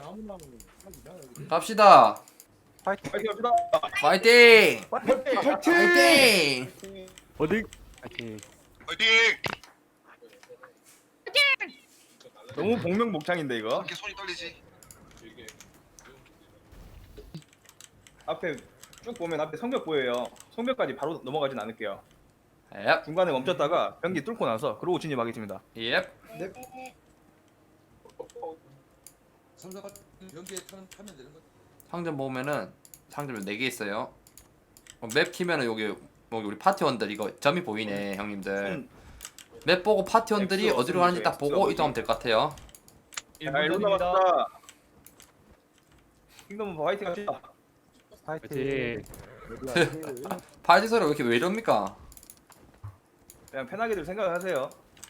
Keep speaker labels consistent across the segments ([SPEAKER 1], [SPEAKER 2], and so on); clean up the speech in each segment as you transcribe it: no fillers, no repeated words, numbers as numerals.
[SPEAKER 1] 갑시다.
[SPEAKER 2] 파이팅.
[SPEAKER 1] 파이팅!
[SPEAKER 3] 파이팅!
[SPEAKER 1] 파이팅!
[SPEAKER 2] 어디? 파이팅.
[SPEAKER 4] 화이팅!
[SPEAKER 3] 너무 복명복창인데 이거.
[SPEAKER 4] 이렇게 손이 떨리지?
[SPEAKER 3] 앞에 쭉 보면 앞에 성벽 보여요. 성벽까지 바로 넘어가진 않을게요.
[SPEAKER 1] 앱.
[SPEAKER 3] 중간에 멈췄다가 병기 뚫고 나서 그러고 진입하겠습니다.
[SPEAKER 1] 앱.
[SPEAKER 5] 선사가 연기에 타면 되는 거.
[SPEAKER 1] 상점 보면은 상점에 4개 있어요. 맵 키면은 여기 우리 파티원들 이거 점이 보이네, 형님들. 맵 보고 파티원들이
[SPEAKER 3] 엑소,
[SPEAKER 1] 어디로 가는지 딱 보고
[SPEAKER 3] 엑소.
[SPEAKER 1] 이동하면 될 것 같아요.
[SPEAKER 3] 자, 1분 남았다. 킹덤 화이팅 합시다.
[SPEAKER 2] 파이팅.
[SPEAKER 1] 파티 소리 왜 이럽니까?
[SPEAKER 3] 그냥 편하게들 생각하세요.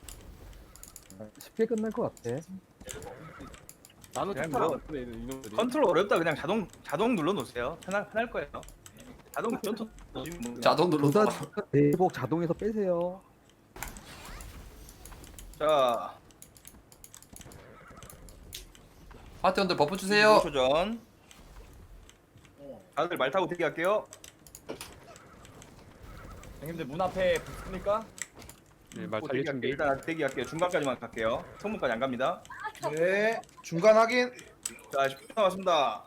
[SPEAKER 6] 쉽게 끝날 것 같아.
[SPEAKER 2] 나는
[SPEAKER 3] 그냥
[SPEAKER 2] 투표 안
[SPEAKER 3] 뭐
[SPEAKER 2] 했네, 이놈들이.
[SPEAKER 3] 컨트롤 어렵다 그냥 자동 눌러 놓으세요. 편할 거예요. 자동 전투
[SPEAKER 1] 자동 눌러서.
[SPEAKER 6] 대복 자동에서 빼세요.
[SPEAKER 3] 자,
[SPEAKER 1] 파티원들 버프 주세요.
[SPEAKER 3] 5초 전. 다들 말 타고 대기할게요.
[SPEAKER 2] 형님들 문 앞에 붙습니까? 네, 말 달릴 준비.
[SPEAKER 3] 일단 대기할게요. 중간까지만 갈게요. 성문까지 안 갑니다.
[SPEAKER 7] 네, 중간 확인.
[SPEAKER 3] 자, 10분 남았습니다.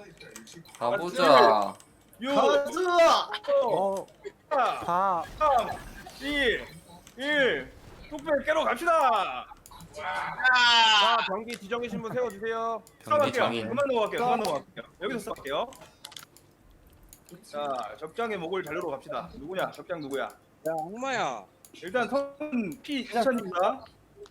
[SPEAKER 1] 가보자.
[SPEAKER 3] 6,
[SPEAKER 7] 가즈!
[SPEAKER 3] 5, 4, 3, 2, 1. 뚝배 깨러 갑시다.
[SPEAKER 2] 자, 경기 지정이신 분 세워주세요.
[SPEAKER 1] 경기 정인.
[SPEAKER 3] 그만 넘어갈게요. 여기서 쏴볼게요. 자, 적장의 목을 자르러 갑시다. 누구냐? 적장 누구야?
[SPEAKER 8] 야 악마야
[SPEAKER 3] 일단 선 P 2,000입니다.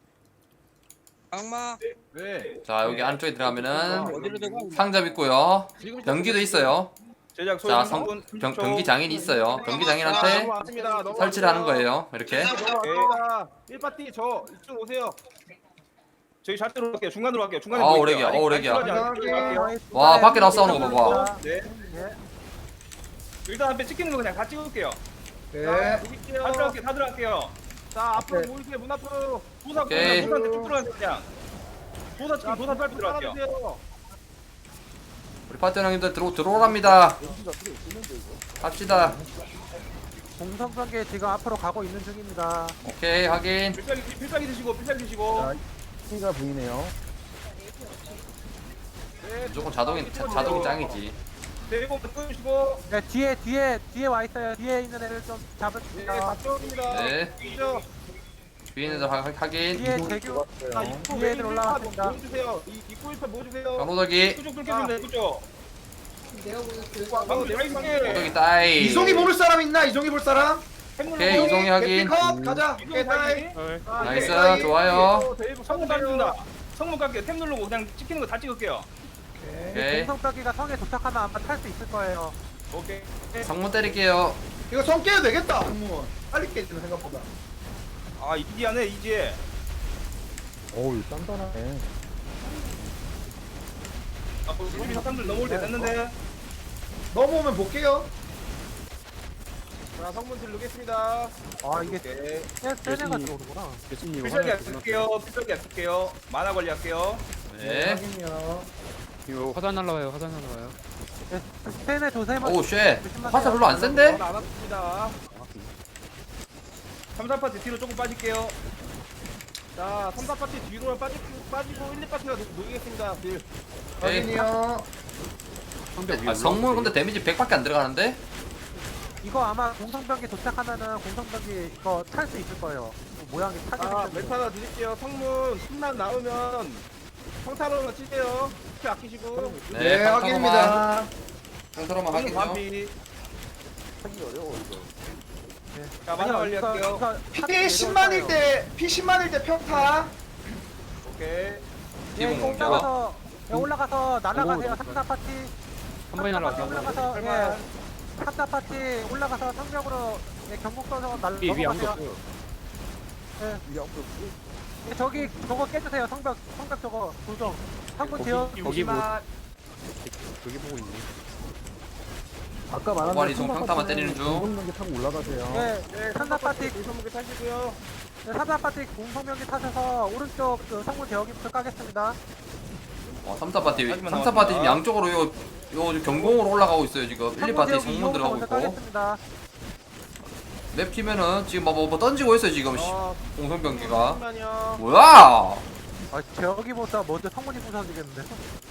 [SPEAKER 8] 악마
[SPEAKER 2] 네.
[SPEAKER 1] 자, 여기 안쪽에 들어가면은
[SPEAKER 8] 어디로 들어가?
[SPEAKER 1] 상점 있고요. 병기도 있어요.
[SPEAKER 3] 제작
[SPEAKER 1] 자,
[SPEAKER 3] 소유
[SPEAKER 1] 병기 장인이 있어요. 병기 장인한테 설치를 하는 거예요. 이렇게.
[SPEAKER 2] 넘어갑니다. 1파티 저 이쪽 오세요.
[SPEAKER 3] 저희 좌대로 갈게요. 중간으로 갈게요. 중간에
[SPEAKER 1] 아,
[SPEAKER 3] 보일게요.
[SPEAKER 1] 오래기야, 오래기야.
[SPEAKER 3] 갈게요.
[SPEAKER 1] 와, 밖에 나서 싸우는 거 봐봐.
[SPEAKER 3] 네. 일단 앞에 찍히는 거 그냥 다 찍을게요.
[SPEAKER 7] 네.
[SPEAKER 3] 다 들어갈게요.
[SPEAKER 2] 자, 앞으로 모이세요. 문 앞으로.
[SPEAKER 1] 오케이.
[SPEAKER 3] 도사한테 쭉 들어가세요 그냥. 도사 빨리 들어갈게요.
[SPEAKER 2] 따라주세요.
[SPEAKER 1] 우리 파티원 형님들 들어오랍니다. 갑시다.
[SPEAKER 6] 공성관계 지금 앞으로 가고 있는 중입니다.
[SPEAKER 1] 오케이, 확인.
[SPEAKER 3] 필살기 드시고.
[SPEAKER 6] 키가 보이네요.
[SPEAKER 1] 무조건 자동이 짱이지.
[SPEAKER 3] 대공 끊으시고.
[SPEAKER 6] 네, 뒤에 와 있어요. 뒤에 있는 애를 좀
[SPEAKER 2] 네,
[SPEAKER 6] 잡읍시다.
[SPEAKER 2] 박정입니다.
[SPEAKER 1] 네.
[SPEAKER 2] 이죠.
[SPEAKER 1] 뒤에 있는 데 확인.
[SPEAKER 6] 뒤에 대규
[SPEAKER 2] 자, 입구
[SPEAKER 6] 뒤에 애들 올라왔습니다.
[SPEAKER 2] 모여주세요. 입구 입구 모여주세요.
[SPEAKER 1] 강호덕이.
[SPEAKER 3] 그쪽 뚫겠습니다. 그쪽.
[SPEAKER 1] 호덕이 따이.
[SPEAKER 7] 이송이 모를 사람 있나? 이송이 볼 사람?
[SPEAKER 1] 오케이, 이송이 확인.
[SPEAKER 7] 컷 가자. 오케이, 다이.
[SPEAKER 1] 나이스, 좋아요.
[SPEAKER 3] 성문 깔습니다. 성문 깔게요. 탭 누르고 그냥 찍히는 거 다 찍을게요.
[SPEAKER 1] 오케이.
[SPEAKER 6] 공성관계가 성에 도착하면 아마 탈 수 있을 거예요.
[SPEAKER 3] 오케이.
[SPEAKER 1] 성문 때릴게요.
[SPEAKER 7] 이거 성 깨도 되겠다. 공무원. 빨리 깨지는 생각보다.
[SPEAKER 3] 아, 이지하네, 이지.
[SPEAKER 6] 어우, 단단하네.
[SPEAKER 3] 아, 우리 사람들 넘어올 때 됐는데.
[SPEAKER 7] 넘어오면 볼게요.
[SPEAKER 2] 자, 성문 들르겠습니다.
[SPEAKER 6] 아, 이게
[SPEAKER 3] 오케이.
[SPEAKER 6] 세네가 들어오는구나.
[SPEAKER 3] 필살기 안 쓸게요. 만화 관리할게요.
[SPEAKER 1] 네.
[SPEAKER 7] 확인이요.
[SPEAKER 2] 이거 화산 날라와요. 화산 날라와요.
[SPEAKER 6] 세네 조세만.
[SPEAKER 1] 오, 쉣. 화살 별로 안 센데?
[SPEAKER 2] 안 왔습니다.
[SPEAKER 3] 3, 4파티 뒤로 조금 빠질게요.
[SPEAKER 2] 자, 3, 4파티 뒤로 빠지고 1, 2파티가 모이겠습니다. 딜.
[SPEAKER 1] 오케이.
[SPEAKER 7] 확인이요.
[SPEAKER 1] 아, 성문 근데 데미지 100밖에 안 들어가는데?
[SPEAKER 6] 이거 아마 공성병기 도착하면은 공성병기 이거 탈 수 있을 거예요. 모양이 타게
[SPEAKER 2] 아,
[SPEAKER 6] 생겼어요.
[SPEAKER 2] 멘트 하나 드릴게요. 성문 순난 나오면 성타로는 치세요. 스피 아끼시고.
[SPEAKER 7] 네, 확인입니다.
[SPEAKER 1] 상처로만
[SPEAKER 3] 성문
[SPEAKER 1] 확인요.
[SPEAKER 3] 반피. 자, 만화
[SPEAKER 6] 아니요,
[SPEAKER 3] 관리할게요.
[SPEAKER 7] 피 10만일 때, 피 10만일 때 평타.
[SPEAKER 3] 오케이.
[SPEAKER 6] 예,
[SPEAKER 1] 기본 공격.
[SPEAKER 6] 올라가서 날아가세요. 3, 4파티.
[SPEAKER 2] 한 번에 날아가서.
[SPEAKER 6] 올라가서 예. 3, 4파티 올라가서 성벽으로 예, 경북 써서 넘어가세요. 예. 예, 저기 저거 깨주세요. 성벽 저거 조정. 한분 지어.
[SPEAKER 2] 거기 뭐
[SPEAKER 6] 아까 말한
[SPEAKER 1] 오발이 좀 평타만 때리는 중.
[SPEAKER 6] 공성병기 타고 올라가세요. 예, 3, 4파티
[SPEAKER 2] 공성무게 타시고요.
[SPEAKER 6] 3, 4파티 공성병기 타셔서 오른쪽 그 성문 대역기부터 까겠습니다.
[SPEAKER 1] 3사 파티
[SPEAKER 3] 하지만
[SPEAKER 1] 3사 파티 지금
[SPEAKER 3] 나왔습니다.
[SPEAKER 1] 양쪽으로 요 경공으로 올라가고 있어요 지금 1, 2파티
[SPEAKER 6] 지역이
[SPEAKER 1] 성문
[SPEAKER 6] 이용부터
[SPEAKER 1] 들어가고
[SPEAKER 6] 먼저
[SPEAKER 1] 있고
[SPEAKER 6] 따겠습니다.
[SPEAKER 1] 맵 키면은 지금 뭐 던지고 있어요 지금 공성병기가
[SPEAKER 2] 잠시만요.
[SPEAKER 1] 뭐야
[SPEAKER 6] 아, 저기보다 먼저 성문이 부서지겠는데.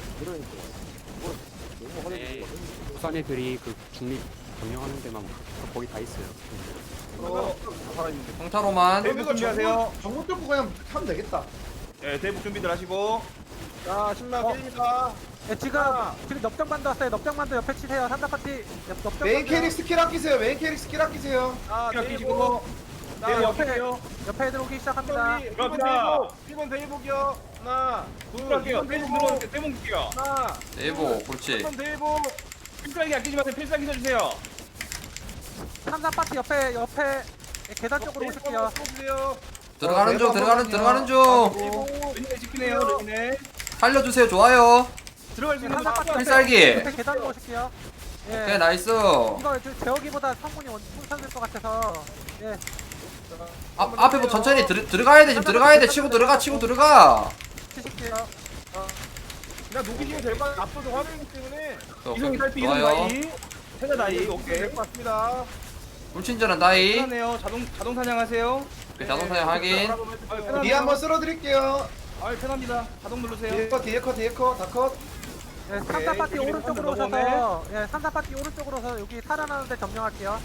[SPEAKER 4] 부산 애들이 그 중립 점령하는 데만 거기 다 있어요.
[SPEAKER 1] 평타로만
[SPEAKER 3] 대북 준비하세요.
[SPEAKER 7] 정문 뚫고 그냥 하면 되겠다.
[SPEAKER 3] 예, 대북 준비들 하시고.
[SPEAKER 2] 자, 10만 깨집니다.
[SPEAKER 6] 예, 지금 넉장반도 왔어요. 넉장반도 옆에 치세요. 산다 파티 넉장.
[SPEAKER 7] 메인 캐릭 스킬 아끼세요. 메인 캐릭 스킬 아끼세요.
[SPEAKER 2] 자,
[SPEAKER 3] 끼시고.
[SPEAKER 2] 대이복. 자,
[SPEAKER 3] 대북
[SPEAKER 2] 옆에
[SPEAKER 3] 할게요.
[SPEAKER 6] 옆에 애들 오기 시작합니다.
[SPEAKER 2] 1번 대이복이요. 하나, 둘,
[SPEAKER 3] 할게요. 대북
[SPEAKER 2] 대이복.
[SPEAKER 3] 들어오니까 대북 줄게요.
[SPEAKER 2] 하나,
[SPEAKER 1] 네이버 그렇지
[SPEAKER 2] 1번 대이복.
[SPEAKER 3] 필살기 아끼지 마세요. 필살기 써주세요.
[SPEAKER 6] 산다 파티 옆에 계단 쪽으로 오실게요.
[SPEAKER 2] 쏘세요.
[SPEAKER 1] 들어가는 중
[SPEAKER 3] 왼쪽에 지키네요. 네.
[SPEAKER 1] 살려주세요 좋아요
[SPEAKER 3] 들어갈 수 있는
[SPEAKER 6] 산다
[SPEAKER 3] 거
[SPEAKER 6] 파티
[SPEAKER 1] 필살기
[SPEAKER 6] 옆에 계단으로 오실게요. 예.
[SPEAKER 1] 오케이 나이스
[SPEAKER 6] 이거 제어기보다 성문이 풍선될 것 같아서 예
[SPEAKER 1] 앞에 천천히 들어가야 돼 지금 들어가야 돼 치고 들어가
[SPEAKER 6] 치실게요.
[SPEAKER 2] 그냥 녹이시면 될 것 같아요. 앞서도 화면이기 때문에.
[SPEAKER 3] 이송이 살피 이송
[SPEAKER 1] 좋아요
[SPEAKER 3] 나이. 세자 나이. 오케이.
[SPEAKER 2] 될것 같습니다.
[SPEAKER 1] 불친절한 나이
[SPEAKER 3] 편하네요. 자동 사냥하세요.
[SPEAKER 1] 자동 사용 확인
[SPEAKER 7] 뒤에 한번 쓸어드릴게요.
[SPEAKER 3] 아 편합니다. 자동 누르세요.
[SPEAKER 7] 뒤에 컷, 다 컷.
[SPEAKER 6] 예, 산다 파티
[SPEAKER 3] 이쪽에
[SPEAKER 6] 오른쪽으로
[SPEAKER 3] 한번
[SPEAKER 6] 오셔서 예, 산다 파티 오른쪽으로 오셔서 여기 살아나는데 점령할게요.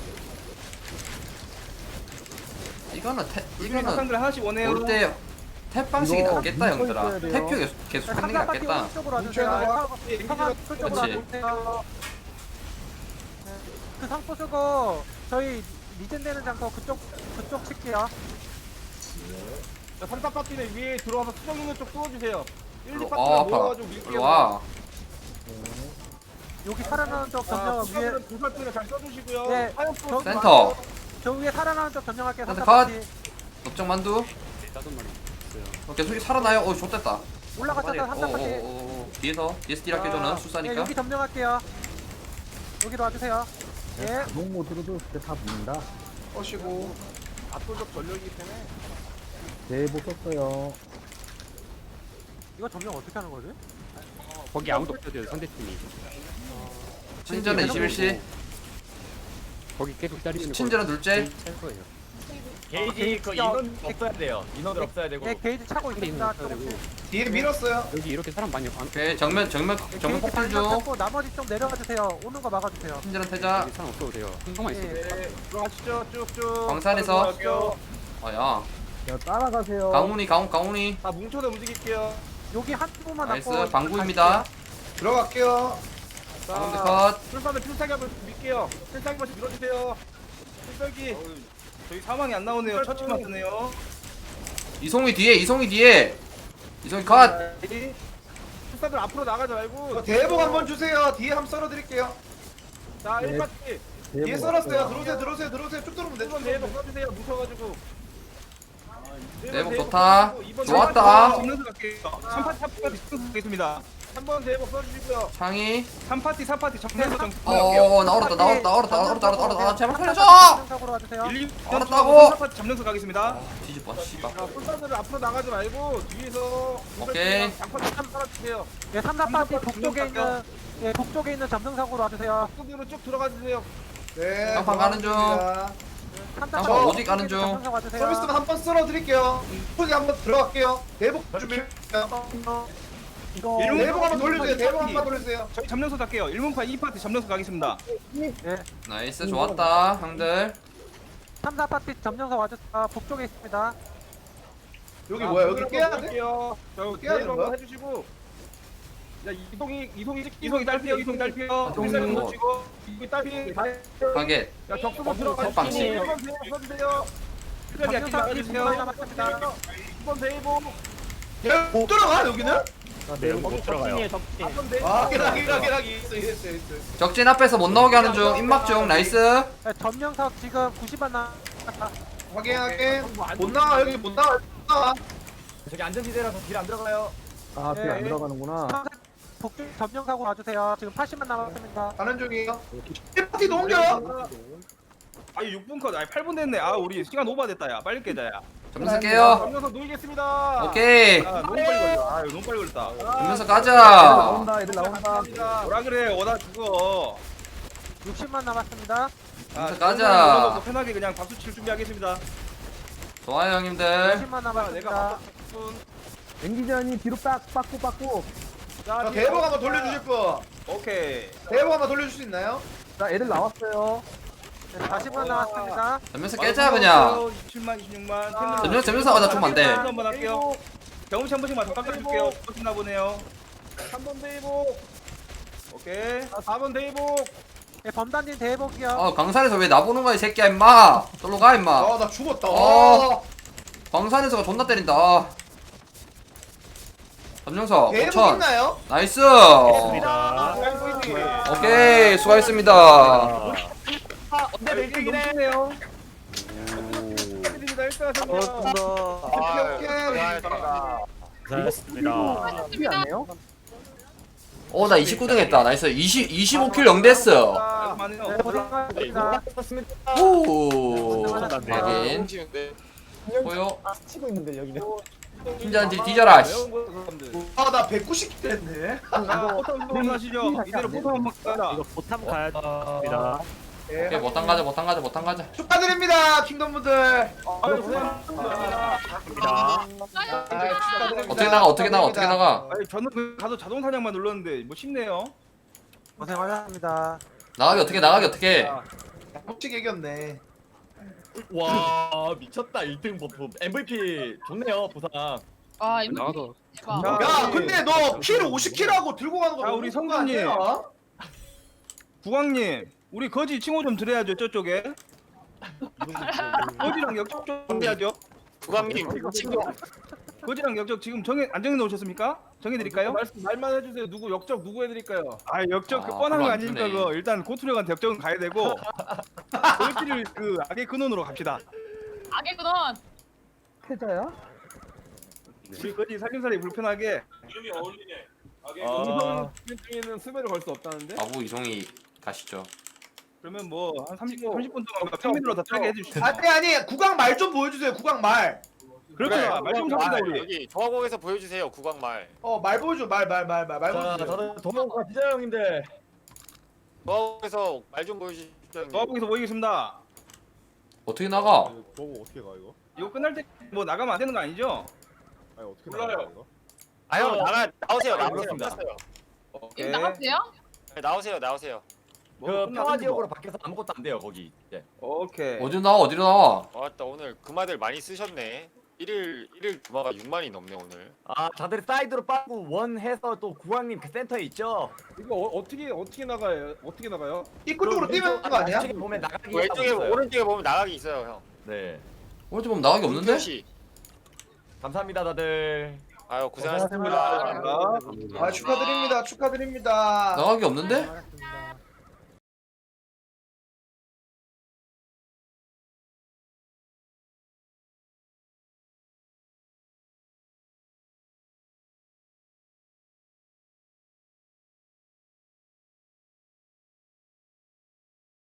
[SPEAKER 1] 이거는
[SPEAKER 3] 이거는 상들 하나씩 원해요.
[SPEAKER 1] 올 때 탭 방식이 낫겠다 형들아 탭 계속 하는 게
[SPEAKER 6] 산다 파티
[SPEAKER 1] 낫겠다
[SPEAKER 6] 오른쪽으로
[SPEAKER 7] 뭉쳐야
[SPEAKER 6] 와주세요. 성화 쪽으로
[SPEAKER 1] 그렇지.
[SPEAKER 6] 와주세요. 그 상포 쓰고 저희 리젠되는 장소 그쪽 칠게요.
[SPEAKER 2] 자, 3타 파티는 위에 들어와서 수정 있는 쪽 쏘아주세요. 1, 2
[SPEAKER 1] 아
[SPEAKER 2] 파티가
[SPEAKER 1] 아파
[SPEAKER 2] 모여가지고 밀게요.
[SPEAKER 1] 일로와
[SPEAKER 6] 여기 살아나는 쪽 점령 위에
[SPEAKER 2] 수정들은 불살등에 잘 써주시고요.
[SPEAKER 6] 예,
[SPEAKER 2] 화염표
[SPEAKER 1] 센터
[SPEAKER 6] 저 위에 살아나는 쪽 점령할게요. 산다
[SPEAKER 1] 컷.
[SPEAKER 6] 파티
[SPEAKER 1] 넓정 만두
[SPEAKER 4] 따던 말이 있어요.
[SPEAKER 1] 오케이 속이 살아나요 어 좋댔다
[SPEAKER 6] 올라가셔서 산다 파티.
[SPEAKER 1] 뒤에서 딜 할게줘는
[SPEAKER 6] 예,
[SPEAKER 1] 수사니까
[SPEAKER 6] 여기 점령할게요. 여기로 와주세요. 예.
[SPEAKER 7] 컷이고.
[SPEAKER 2] 압도적 전력이기 때문에.
[SPEAKER 6] 이거 점령 어떻게 하는 거지?
[SPEAKER 4] 거기 아무도 없어요 상대팀이.
[SPEAKER 1] 친절한 21시
[SPEAKER 4] 거기 계속 기다리시는
[SPEAKER 1] 친절한 둘째
[SPEAKER 4] 찰 거예요.
[SPEAKER 6] 게이지 그 인원 없어야 돼요. 인원들 없어야 되고. 예, 게이지 차고 있습니다. 조금씩.
[SPEAKER 7] 뒤에 밀었어요.
[SPEAKER 4] 여기 이렇게 사람 많이 안
[SPEAKER 1] 오케이 정면
[SPEAKER 6] 게이지
[SPEAKER 1] 폭발
[SPEAKER 6] 반만
[SPEAKER 1] 중
[SPEAKER 6] 잡고 나머지 좀 내려가 주세요. 오는 거 막아 주세요.
[SPEAKER 1] 친절한 태자
[SPEAKER 4] 여기 사람 없어도 돼요. 한동만 있어요.
[SPEAKER 2] 네, 들어가시죠. 쭉쭉.
[SPEAKER 1] 광산에서
[SPEAKER 2] 들어가시죠.
[SPEAKER 1] 아야 강훈이
[SPEAKER 2] 다 뭉쳐서 움직일게요.
[SPEAKER 6] 여기 한 부분만
[SPEAKER 1] 나이스
[SPEAKER 6] 남고
[SPEAKER 1] 방구입니다
[SPEAKER 7] 들어갈게요.
[SPEAKER 1] 가운데
[SPEAKER 2] 자,
[SPEAKER 1] 컷
[SPEAKER 2] 풀사면 필살기 한번 밀게요. 필살기 한번 밀어주세요. 필살기.
[SPEAKER 3] 저희 사망이 안 나오네요. 처치만 뜨네요.
[SPEAKER 1] 이송이 뒤에 이송이 컷
[SPEAKER 2] 풀사들 앞으로 나가지 말고.
[SPEAKER 7] 대복 한번 주세요. 뒤에 한번 썰어드릴게요.
[SPEAKER 2] 자, 1파티.
[SPEAKER 7] 뒤에 썰었어요. 들어오세요. 쭉 들어오면 돼.
[SPEAKER 2] 1번 대복 써주세요. 뭉쳐가지고.
[SPEAKER 1] 대복 좋다.
[SPEAKER 2] 이번
[SPEAKER 1] 좋았다.
[SPEAKER 3] 점령수 갈게요. 3파티 4파티 점령수 가겠습니다.
[SPEAKER 2] 3번 대복 써주시고요.
[SPEAKER 1] 창이
[SPEAKER 3] 3파티 4파티 점령수 갈게요.
[SPEAKER 1] 나왔다 제발 살려줘
[SPEAKER 6] 점령석으로 와주세요.
[SPEAKER 3] 1, 2,
[SPEAKER 1] 알았다고.
[SPEAKER 3] 4파티 점령수 가겠습니다.
[SPEAKER 1] 뒤집어 씨발
[SPEAKER 2] 자, 풀사들 앞으로 나가지 말고 뒤에서.
[SPEAKER 1] 오케이.
[SPEAKER 2] 장파티 한번 살아주세요.
[SPEAKER 6] 예, 3, 4파티
[SPEAKER 3] 삼,
[SPEAKER 6] 북쪽에
[SPEAKER 3] 삼,
[SPEAKER 6] 있는 예, 북쪽에 있는 점령석으로 와주세요.
[SPEAKER 2] 앞뒤로 쭉 들어가 주세요.
[SPEAKER 7] 네.
[SPEAKER 1] 쌍판 가는 중.
[SPEAKER 7] 고맙습니다.
[SPEAKER 6] 3,
[SPEAKER 1] 저
[SPEAKER 6] 4파티
[SPEAKER 1] 오직 가는 중.
[SPEAKER 6] 점령석 와주세요.
[SPEAKER 7] 서비스는 한번 썰어드릴게요. 소리 한번 들어갈게요. 대복 준비.
[SPEAKER 6] 이거
[SPEAKER 7] 대복 한번 돌려주세요. 대복 한번 돌려주세요.
[SPEAKER 3] 저희 점령수 갈게요. 1문파 2파티 점령수 가겠습니다.
[SPEAKER 6] 예,
[SPEAKER 1] 나이스 좋았다 형들
[SPEAKER 6] 3, 4파티 점령석 와주세요. 북쪽에 있습니다.
[SPEAKER 7] 여기 뭐야? 여기 깨야 돼?
[SPEAKER 2] 저
[SPEAKER 7] 깨야 되는
[SPEAKER 2] 대복
[SPEAKER 7] 거야?
[SPEAKER 2] 한번 해주시고. 야, 이송이
[SPEAKER 3] 이송이 딸피요. 이송이 딸피요.
[SPEAKER 2] 필살기
[SPEAKER 1] 뭐.
[SPEAKER 2] 놓치고. 이거 딸피.
[SPEAKER 1] 가게
[SPEAKER 2] 야, 적수도 들어가.
[SPEAKER 1] 헛방치.
[SPEAKER 2] 1번 대복 써주세요.
[SPEAKER 3] 필살기 아끼지
[SPEAKER 6] 점령석이
[SPEAKER 3] 말아주세요.
[SPEAKER 6] 분명히 남았습니다.
[SPEAKER 2] 2번 대복.
[SPEAKER 7] 못 들어가 여기는?
[SPEAKER 4] 못 들어가요.
[SPEAKER 2] 4번 대복.
[SPEAKER 7] 아, 기라기 있어.
[SPEAKER 1] 적진 앞에서 못 나오게 하는 중 입막 중 나이스
[SPEAKER 6] 예, 점령석 지금 90만 남았다.
[SPEAKER 7] 확인. 못 나와 여기 못 나와.
[SPEAKER 2] 저기 안전지대라서 길 안 들어가요.
[SPEAKER 6] 길 안 들어가는구나. 북쪽 점령석으로 와주세요. 지금 80만 남았습니다.
[SPEAKER 7] 가는 중이에요. 1파티 넘겨.
[SPEAKER 3] 아니 6분 컷. 아니 8분 됐네. 아 우리 시간 오버됐다 야. 빨리 깨자 야.
[SPEAKER 1] 전면서 깨요.
[SPEAKER 2] 전면서 놓이겠습니다.
[SPEAKER 1] 오케이.
[SPEAKER 3] 너무 빨리 걸려. 아, 이거 너무 빨리 걸렸다.
[SPEAKER 1] 전면서 가자.
[SPEAKER 7] 나온다 애들 나온다.
[SPEAKER 2] 감사합니다.
[SPEAKER 3] 뭐라 그래, 오다 죽어.
[SPEAKER 6] 60만 남았습니다.
[SPEAKER 1] 전면서 가자.
[SPEAKER 3] 편하게 그냥 박수 칠 준비하겠습니다.
[SPEAKER 1] 좋아요 형님들.
[SPEAKER 6] 60만
[SPEAKER 2] 내가
[SPEAKER 6] 남았습니다.
[SPEAKER 2] 맞다.
[SPEAKER 7] 앵기전이 뒤로 빠꾸.
[SPEAKER 2] 자,
[SPEAKER 7] 자 대복 한번 돌려주실 분.
[SPEAKER 3] 오케이.
[SPEAKER 7] 대복 한번 돌려줄 수 있나요? 자 애들 나왔어요.
[SPEAKER 6] 네, 40만 남았습니다.
[SPEAKER 1] 전면서 깨자 그냥.
[SPEAKER 3] 27만, 26만.
[SPEAKER 1] 전면서 가자 좀 안 돼.
[SPEAKER 3] 한번 할게요. 경험치 한 번씩만 더 깎아줄게요. 멋있나 보네요.
[SPEAKER 2] 3번 대이복.
[SPEAKER 3] 오케이.
[SPEAKER 2] 4번 대이복.
[SPEAKER 6] 네, 범단님 대복이요.
[SPEAKER 1] 광산에서 왜 나보는 거야 이 새끼야 임마. 절로 가 임마.
[SPEAKER 7] 아 나 죽었다.
[SPEAKER 1] 광산에서가 존나 때린다. 점령석
[SPEAKER 7] 대복
[SPEAKER 1] 5천.
[SPEAKER 7] 있나요?
[SPEAKER 1] 나이스.
[SPEAKER 2] 아,
[SPEAKER 1] 오케이 수고하셨습니다.
[SPEAKER 2] 네, 넘치네요. 축하드립니다. 1등 하셨네요.
[SPEAKER 7] 오케이. 이게 안 해요?
[SPEAKER 1] 나 29등 했다. 나이스. 25킬 0데스.
[SPEAKER 6] 네, 고생하셨습니다.
[SPEAKER 1] 오. 확인. 보여.
[SPEAKER 7] 치고 있는데 여기는.
[SPEAKER 1] 팀장들이 뒤져라. 씨.
[SPEAKER 7] 아나 190 됐네.
[SPEAKER 3] 포텀 하시죠. 이대로 포텀 한번 가자.
[SPEAKER 4] 이거 보탐 가야 됩니다.
[SPEAKER 1] 오케이 못한 가자.
[SPEAKER 7] 축하드립니다 킹덤분들.
[SPEAKER 2] 아유, 고생하셨습니다.
[SPEAKER 1] 어떻게 나가.
[SPEAKER 3] 아니, 저는 그 가서 자동 사냥만 눌렀는데 뭐 쉽네요.
[SPEAKER 6] 고생하셨습니다.
[SPEAKER 1] 나가기 어떻게.
[SPEAKER 7] 혹시 이겼네.
[SPEAKER 8] 와 미쳤다 1등 버프 MVP 좋네요 부상.
[SPEAKER 9] 아, 이거
[SPEAKER 4] 나가도
[SPEAKER 9] 대박.
[SPEAKER 3] 자,
[SPEAKER 7] 야 근데 너 킬 50킬하고 들고 가는 거
[SPEAKER 3] 자,
[SPEAKER 7] 너무
[SPEAKER 3] 우리
[SPEAKER 7] 좋은 거
[SPEAKER 3] 성준님.
[SPEAKER 7] 아니야?
[SPEAKER 3] 국왕님, 우리 거지 칭호 좀 드려야죠 저쪽에. 거지랑 역적 좀 해야죠.
[SPEAKER 8] 부감님 친구
[SPEAKER 3] 거지랑 역적 지금 안 정해 놓으셨습니까? 정해 드릴까요?
[SPEAKER 2] 말만 해주세요. 누구 역적 누구 해드릴까요?
[SPEAKER 3] 아 역적 그
[SPEAKER 1] 아,
[SPEAKER 3] 뻔한 거
[SPEAKER 1] 그거 안
[SPEAKER 3] 아니니까
[SPEAKER 1] 주네.
[SPEAKER 3] 그거 일단 고투력한테 역적은 가야 되고 저희끼리 그 악의 근원으로 갑시다.
[SPEAKER 9] 악의 근원.
[SPEAKER 7] 패자야?
[SPEAKER 3] 우리 거지 살림살이 불편하게.
[SPEAKER 2] 동성 중에는 수배를 걸 수 없다는데?
[SPEAKER 1] 아부 이송이 가시죠.
[SPEAKER 3] 그러면 뭐 한 30분 동안 평민으로 다 타게 해주시죠.
[SPEAKER 7] 아니 구강 말 좀 보여주세요. 구강 말.
[SPEAKER 3] 그렇죠. 말좀 삽시다 우리.
[SPEAKER 8] 여기 조화곡에서 보여주세요 국왕말.
[SPEAKER 7] 말 보여줘. 말 보여줘.
[SPEAKER 8] 저는 도망가 진짜 형인데 조화곡에서 말 좀 보여주시죠 형님.
[SPEAKER 3] 조합국에서 모이겠습니다.
[SPEAKER 1] 어떻게 나가?
[SPEAKER 2] 보고 어떻게 가 이거?
[SPEAKER 3] 이거 끝날 때 뭐 나가면 안 되는 거 아니죠?
[SPEAKER 2] 아니 어떻게 나가 이거?
[SPEAKER 8] 아형 나오세요
[SPEAKER 2] 그렇습니다.
[SPEAKER 8] 끝났어요.
[SPEAKER 3] 오케이.
[SPEAKER 9] 이거 나갔어요?
[SPEAKER 8] 네, 나오세요.
[SPEAKER 3] 뭐
[SPEAKER 8] 그
[SPEAKER 3] 끝났는데
[SPEAKER 8] 평화 지역으로
[SPEAKER 3] 뭐.
[SPEAKER 8] 밖에서 아무것도 안 돼요 거기 이제.
[SPEAKER 3] 오케이.
[SPEAKER 1] 어디로 나와?
[SPEAKER 8] 맞다 오늘 금화들 많이 쓰셨네. 1일 금화가 6만이 넘네 오늘.
[SPEAKER 10] 아 다들 사이드로 빠고 원 해서 또 구왕님 그 센터에 있죠.
[SPEAKER 2] 이거 어떻게 나가요? 어떻게 나가요?
[SPEAKER 7] 입구 쪽으로 뛰면 거 아니야?
[SPEAKER 10] 왼쪽에 보면 나가기
[SPEAKER 8] 왼쪽에
[SPEAKER 10] 있어요.
[SPEAKER 8] 오른쪽에 보면 나가기 있어요 형.
[SPEAKER 10] 네
[SPEAKER 1] 오른쪽 보면 나가기 없는데?
[SPEAKER 8] 표시.
[SPEAKER 10] 감사합니다 다들.
[SPEAKER 8] 아유 고생하셨습니다.
[SPEAKER 3] 고생하셨습니다.
[SPEAKER 7] 축하드립니다.
[SPEAKER 1] 나가기 없는데?